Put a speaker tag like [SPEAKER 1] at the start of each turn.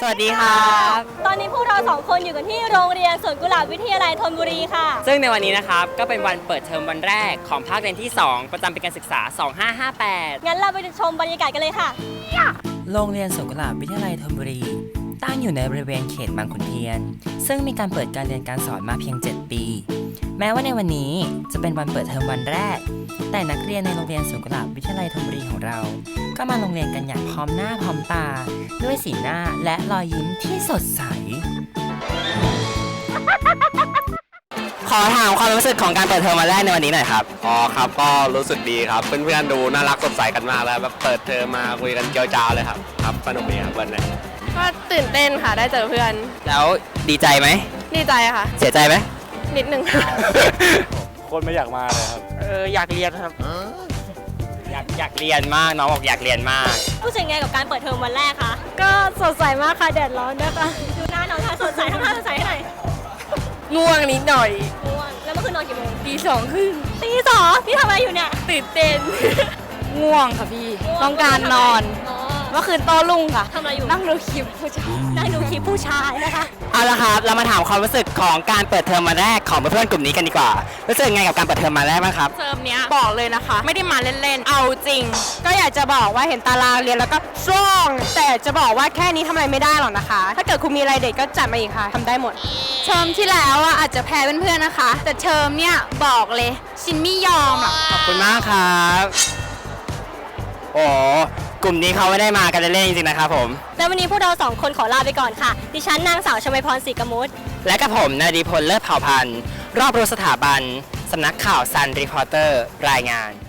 [SPEAKER 1] วัสดีครับ
[SPEAKER 2] ตอนนี้พวกเรา2 คนอยู่กันที่โรงเรียนสวนกุหลาบวิทยาลัยธนบุรีค่ะ
[SPEAKER 1] ซึ่งในวันนี้นะครับก็เป็นวันเปิดเทอมวันแรกของภาคเรียนที่ 2 ประจำปีการศึกษา 2558
[SPEAKER 2] งั้นเราไปชมบรรยากาศกันเลยค่ะ
[SPEAKER 3] โรงเรียนสวนกุหลาบวิทยาลัยธนบุรีตั้งอยู่ในบริเวณเขตบางขุนเทียนซึ่งมีการเปิดการเรียนการสอนมาเพียง 7 ปี แม้ว่าในวันนี้จะเป็นวันเปิดเทอมวันแรกแต่นักเรียนในโรงเรียนสวนกุหลาบวิทยาลัยธนบุรีของเราก็มาโรงเรียนกันอย่างพร้อมหน้าพร้อมตาด้วยสีหน้าและรอยยิ้มที่สดใส
[SPEAKER 1] ขอถามความรู้สึกของการเปิดเทอมวันแรกในวันนี้หน่อยครับ
[SPEAKER 4] อ๋อครับก็รู้สึกดีครับเพื่อนๆดูน่ารักสดใสกันมากแล้วแบบเปิดเทอมมาคุยกันเจียวจ้าวเลยครับครับสนุกดีครับวันนี้
[SPEAKER 5] ก็ตื่นเต้นค่ะได้เจอเพื่อน
[SPEAKER 1] แล้วดีใจไหม
[SPEAKER 5] ดีใจค่ะ
[SPEAKER 1] เสียใจไหม
[SPEAKER 5] นิดนึง
[SPEAKER 4] คนไม่อยากมาเลยครับ
[SPEAKER 1] อยากเรียนครับอยากเรียนมากน้องบอกอยากเรียนมาก
[SPEAKER 2] รู้สึกไงกับการเปิดเทอมวันแรกคะ
[SPEAKER 5] ก็สดใสมากค่ะแดดร้อนด้วยค่ะ
[SPEAKER 2] ดูหน้าน้องท่าสดใสทำท่าสดใสให้หน่อย
[SPEAKER 5] ง่วงนิดหน่อย
[SPEAKER 2] ง่วงแล้วเมื่อคืนนอนกี่โมง
[SPEAKER 5] ตีสองครึ่ง
[SPEAKER 2] ตี 2นี่ทำอะไรอยู่เนี่ย
[SPEAKER 5] ตื่นเต้น ง่วงค่ะพี่ ต้องการนอน
[SPEAKER 2] อ๋อ
[SPEAKER 5] เมื่อคืนโต้รุ่งค่ะ
[SPEAKER 2] ทำอะไรอยู่
[SPEAKER 5] นั่งดูคลิปผู้ชาย
[SPEAKER 2] นั่งดูคลิปผู้ชายนะคะ
[SPEAKER 1] เอาละครับเรามาถามความรู้สึกของการเปิดเทอมวันแรกของเพื่อนๆกลุ่มนี้กันดีกว่ารู้สึกไงกับการเปิดเทอมวันแรกบ้างครับ
[SPEAKER 5] เทอมเนี้ยบอกเลยนะคะ ไม่ได้มาเล่นๆ เอาจริง ก็อยากจะบอกว่าเห็นตารางเรียนแล้วก็ซ่องแต่จะบอกว่าแค่นี้ทำอะไรไม่ได้หรอกนะคะ ถ้าเกิดคุณมีอะไรเด็ดก็จัดมาอีกค่ะทำได้หมด เทอมที่แล้วอ่ะอาจจะแพ้เพื่อนๆนะคะ แต่เทอมเนี้ยบอกเลยชินไม่ยอมหรอก
[SPEAKER 1] ขอบคุณมากครับโอ้กลุ่มนี้เขาไม่ได้มากันเล่นๆจริงๆนะครับผม
[SPEAKER 2] แล้ววันนี้พวกเรา2 คนขอลาไปก่อนค่ะ ดิฉันนางสาวชมพรศรีกมุต
[SPEAKER 1] และกับผมนาดีพลเลิศเผ่าพันธ์รอบรู้สถาบันสำนักข่าวซันรีพอร์เตอร์รายงาน